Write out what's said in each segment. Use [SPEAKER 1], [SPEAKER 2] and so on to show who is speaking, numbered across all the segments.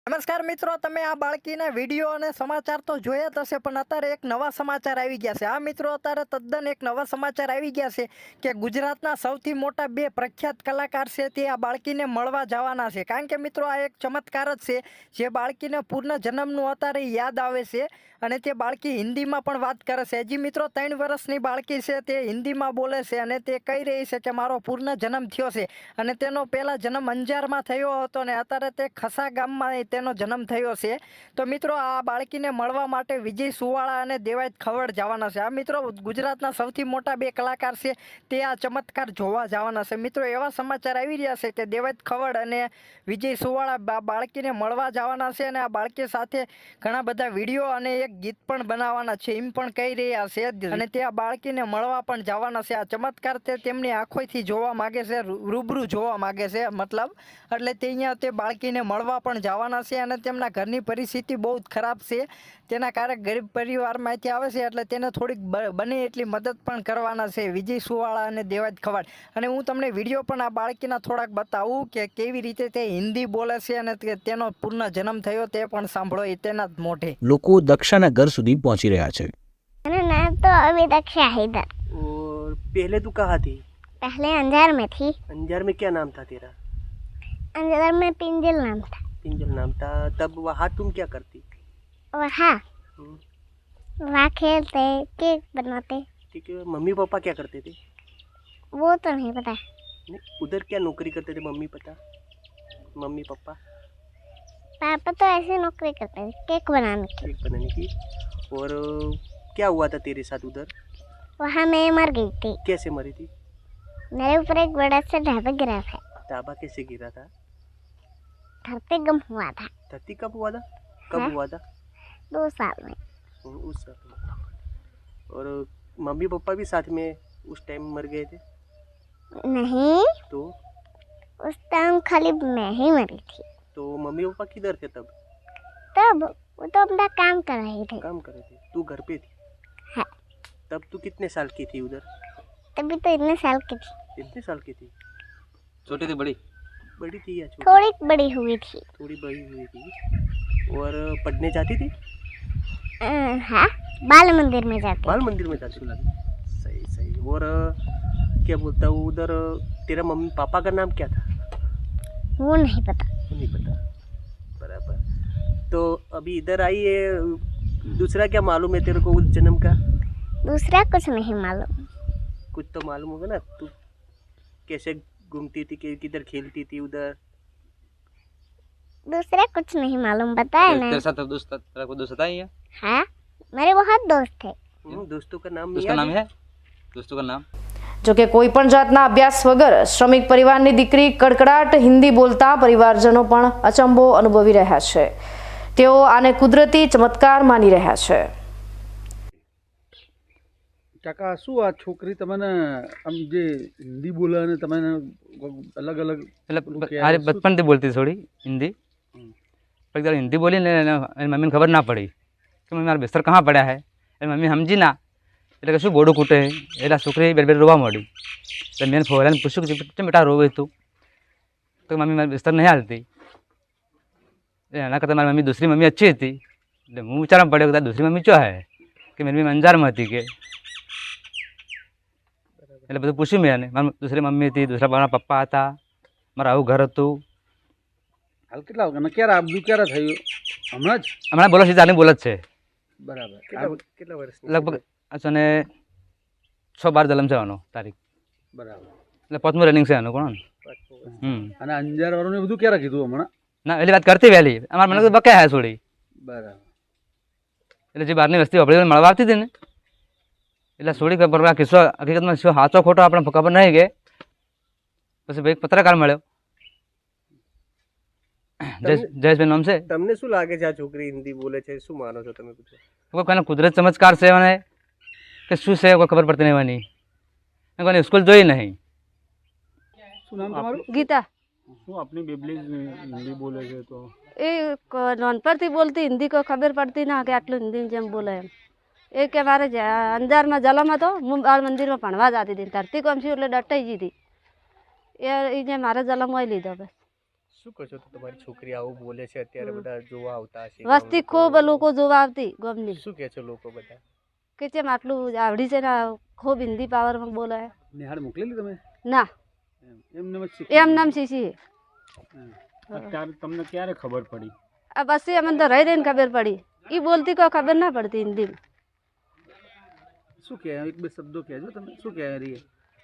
[SPEAKER 1] નમસ્કાર મિત્રો, તમે આ બાળકીના વિડીયો અને સમાચાર તો જોયા જ હશે, પણ અત્યારે એક નવા સમાચાર આવી ગયા છે. આ મિત્રો, અત્યારે તદ્દન એક નવા સમાચાર આવી ગયા છે કે ગુજરાતના સૌથી મોટા બે પ્રખ્યાત કલાકાર છે તે આ બાળકીને મળવા જવાના છે. કારણ કે મિત્રો, આ એક ચમત્કાર જ છે જે બાળકીને પૂર્ણ જન્મનું અત્યારે યાદ આવે છે અને તે બાળકી હિન્દીમાં પણ વાત કરે છે. હજી મિત્રો 3 વર્ષની બાળકી છે, તે હિન્દીમાં બોલે છે અને તે કહી રહી છે કે મારો પૂર્ણ જન્મ થયો છે અને તેનો પહેલા જન્મ અંજારમાં થયો હતો ને અત્યારે તે ખસા ગામમાં તેનો જન્મ થયો છે. તો મિત્રો, આ બાળકીને મળવા માટે વિજય સુવાળા અને દેવાયત ખવડ જવાના છે. આ મિત્રો, ગુજરાતના સૌથી મોટા બે કલાકાર છે તે આ ચમત્કાર જોવા જવાના છે. મિત્રો, એવા સમાચાર આવી રહ્યા છે કે દેવાયત ખવડ અને વિજય સુવાળા બાળકીને મળવા જવાના છે અને આ બાળકી સાથે ઘણા બધા વિડીયો અને એક ગીત પણ બનાવવાના છે એમ પણ કહી રહ્યા છે અને તે આ બાળકીને મળવા પણ જવાના છે. આ ચમત્કાર તે તેમની આંખોથી જોવા માગે છે, રૂબરૂ જોવા માગે છે મતલબ, એટલે તે અહીંયા તે બાળકીને મળવા પણ જવાના છે અને તેમના ઘરની પરિસ્થિતિ બહુ જ ખરાબ છે. તેના કારણે ગરીબ પરિવારમાંથી આવે છે એટલે તેને થોડીક બને એટલી મદદ પણ કરવાના છે વિજય સુવાળા અને દેવાયત ખવડ. અને હું તમને વિડીયો પણ આ બાળકીના થોડાક બતાવું કે કેવી રીતે તે હિન્દી બોલે છે અને તેનો પૂર્ણ જન્મ થયો તે પણ સાંભળો તેના જ મોઢે.
[SPEAKER 2] લોકો દક્ષાના ઘર સુધી પહોંચી રહ્યા છે.
[SPEAKER 3] मेरा नाम तो अभी दक्षा है इधर।
[SPEAKER 4] और पहले तू कहाँ थी?
[SPEAKER 3] पहले अंजार में थी।
[SPEAKER 4] अंजार में क्या नाम था तेरा?
[SPEAKER 3] अंजार में पिंजल नाम था।
[SPEAKER 4] पिंजल नाम था। तब वहाँ तुम क्या करती?
[SPEAKER 3] वहाँ वहाँ खेलते, केक बनाते।
[SPEAKER 4] ठीक है। मम्मी पापा क्या करते थे?
[SPEAKER 3] वो तो नहीं पता।
[SPEAKER 4] नहीं, उधर क्या नौकरी करते थे मम्मी पता? मम्मी पापा
[SPEAKER 3] पापा तो ऐसे नौकरी करते थे, केक बनाने की।
[SPEAKER 4] केक बनाने की। और क्या हुआ था तेरे साथ उधर?
[SPEAKER 3] वहाँ मैं मर गई थी।
[SPEAKER 4] कैसे मरी थी?
[SPEAKER 3] मेरे ऊपर एक बड़ा सा ढाबा गिरा था।
[SPEAKER 4] ढाबा कैसे गिरा था?
[SPEAKER 3] धरती गम हुआ था।
[SPEAKER 4] धरती कब हुआ था? कब
[SPEAKER 3] हाँ?
[SPEAKER 4] हुआ था?
[SPEAKER 3] 2 साल में।
[SPEAKER 4] उस साल में। और मम्मी पापा भी साथ में उस टाइम मर गए थे?
[SPEAKER 3] नहीं,
[SPEAKER 4] तो
[SPEAKER 3] उस टाइम खाली मैं ही मरी थी।
[SPEAKER 4] तो मम्मी पापा किधर थे तब?
[SPEAKER 3] तब वो तो अपना काम कर रहे थे।
[SPEAKER 4] काम कर रहे थे, तू घर पे थी?
[SPEAKER 3] हाँ।
[SPEAKER 4] तब तू कितने साल की थी उधर?
[SPEAKER 3] तभी तो इतने साल की थी।
[SPEAKER 4] कितने साल की थी?
[SPEAKER 5] छोटी थी बड़ी?
[SPEAKER 4] बड़ी थी या छोटी?
[SPEAKER 3] थोड़ी बड़ी हुई थी।
[SPEAKER 4] थोड़ी बड़ी हुई थी। और पढ़ने जाती थी?
[SPEAKER 3] हाँ, बाल मंदिर में जाते।
[SPEAKER 4] बाल मंदिर में जाती थी। सही सही। और क्या बोलता हूँ, उधर तेरा मम्मी पापा का नाम क्या था?
[SPEAKER 3] वो नहीं पता।
[SPEAKER 4] वो नहीं पता। बराबर। तो अभी इधर आई है, दूसरा क्या मालूम है तेरे को उस जन्म का?
[SPEAKER 3] दूसरा कुछ नहीं मालूम।
[SPEAKER 4] कुछ तो मालूम होगा ना, तू कैसे घूमती थी, किधर खेलती थी उधर?
[SPEAKER 3] दूसरा कुछ नहीं मालूम, बताया ना।
[SPEAKER 5] तेरे साथ तेरा कोई दोस्त था ही है?
[SPEAKER 3] हाँ, मेरे बहुत दोस्त थे।
[SPEAKER 4] दोस्तों का नाम
[SPEAKER 5] उसका नाम है? दोस्तों का नाम?
[SPEAKER 6] જોકે કોઈ પણ જાતના અભ્યાસ વગર શ્રમિક પરિવારની દીકરી કડકડાટ હિન્દી બોલતા પરિવારજનો પણ અચંબો અનુભવી રહ્યા છે. તેઓ આને કુદરતી ચમત્કાર માની રહ્યા છે.
[SPEAKER 7] કાકા, શું આ છોકરી તમને આમ જે હિન્દી બોલે અને તમે અલગ અલગ
[SPEAKER 5] अरे बचपन से बोलती थोड़ी हिंदी, पर एक बार हिंदी बोली ने मम्मी ने खबर ना पड़ी कि मम्मी मारा बिस्तर कहाँ पड़ा है. मम्मी समझी ना એટલે કે શું ગોડું કૂટે એટલે છોકરી બે બે રોવા માંડી. એટલે મેં ફોરાને પૂછ્યું કે કેમ બેટા રોવે તું? તો મમ્મી મારી બિસ્તર નહીં હાલતી. એના કરતાં મારી મમ્મી दूसरी मम्मी अच्छी હતી. એટલે હું વિચારવા પડ્યો કે दूसरी मम्मी શું હે કે મારી મમ્મી અંજારમાં હતી કે. એટલે બધું પૂછ્યું મેં એને. મારી दूसरी मम्मी હતી, दूसरा મારા પપ્પા હતા, મારું આવું ઘર હતું.
[SPEAKER 7] હાલ કેટલા વાગ્યા ક્યારે આ બધું ક્યારે થયું? હમણાં જ?
[SPEAKER 5] હમણાં બોલો છે, ચાલી બોલ જ છે.
[SPEAKER 7] બરાબર.
[SPEAKER 4] કેટલા વર્ષ?
[SPEAKER 5] લગભગ અને 6-12 જલમ છે આનો તારીખ.
[SPEAKER 7] બરાબર.
[SPEAKER 5] એટલે 5મું રનિંગ છે આનું કોણ.
[SPEAKER 7] અને અંજાર વાળું બધું ક્યારે કીધું હમણાં?
[SPEAKER 5] ના એલી વાત કરતી વહેલી અમારે મને તો બકે હે છોડી.
[SPEAKER 7] બરાબર.
[SPEAKER 5] એટલે જે બહારની વસ્તી આપણે મળવા આવતી હતી ને એટલે છોડી ખબર આ કિસ્સો હકીકતમાં શું સાચો ખોટો આપણે ખબર નહીં કે પછી ભાઈ પત્રકાર મળ્યો જયેશભાઈ નામ છે.
[SPEAKER 4] તમને શું લાગે છે આ છોકરી હિન્દી બોલે છે, શું માનો છો તમે? પૂછો.
[SPEAKER 5] કોઈને કુદરત ચમત્કાર છે મને કે શું છે કોઈ ખબર પડતી નહીં વાની. કોઈને સ્કૂલ જોઈ નહીં.
[SPEAKER 7] શું નામ તમારું?
[SPEAKER 8] ગીતા.
[SPEAKER 7] શું આપની બેબલી હિન્દી બોલે છે? તો
[SPEAKER 8] એ નાનપણથી બોલતી હિન્દી કોઈ ખબર પડતી ના કે આટલું હિન્દી જેમ બોલે એમ. એ કે મારે અંજારમાં જલમ હતો, હું બાળ મંદિરમાં ભણવા જતી હતી. ધરતી કોમ છું એટલે ડટાઈ ગઈ હતી. એ જે મારે જલમ હોય લીધો બસ.
[SPEAKER 4] શું કહો છો તો તમારી છોકરી આવું બોલે છે અત્યારે બધા જોવા આવતા હશે
[SPEAKER 8] વસ્તી ખૂબ લોકો જોવા આવતી ગમની
[SPEAKER 4] શું કહે છે લોકો બધા
[SPEAKER 8] કે જેમ આટલું આવડી છે ને ખૂબ હિન્દી પાવરમાં બોલે
[SPEAKER 7] નિહાળ મોકલેલી તમે
[SPEAKER 8] ના
[SPEAKER 7] એમને જ શીખી
[SPEAKER 8] એમ નામ શીશી
[SPEAKER 7] અત્યારે તમને ક્યારે ખબર પડી
[SPEAKER 8] આ પછી અમને તો રહી રહીને ખબર પડી એ બોલતી કોઈ ખબર ના પડતી હિન્દી
[SPEAKER 7] શું કહે એક બે શબ્દો કહેજો તમે શું કહે રહી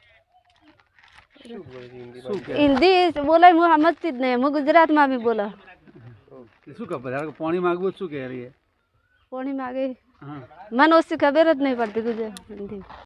[SPEAKER 4] શું બોલે છે હિન્દીમાં?
[SPEAKER 7] શું કહે
[SPEAKER 8] હિન્દી બોલે હું સમજતી જ નહીં હું ગુજરાતમાં બી બોલા
[SPEAKER 7] શું ખબર પાણી માગવું શું કહે રહી
[SPEAKER 8] કોણી માગે
[SPEAKER 7] હા
[SPEAKER 8] મને ઓછી ખબર જ નહીં પડતી ગુજરાત હિન્દી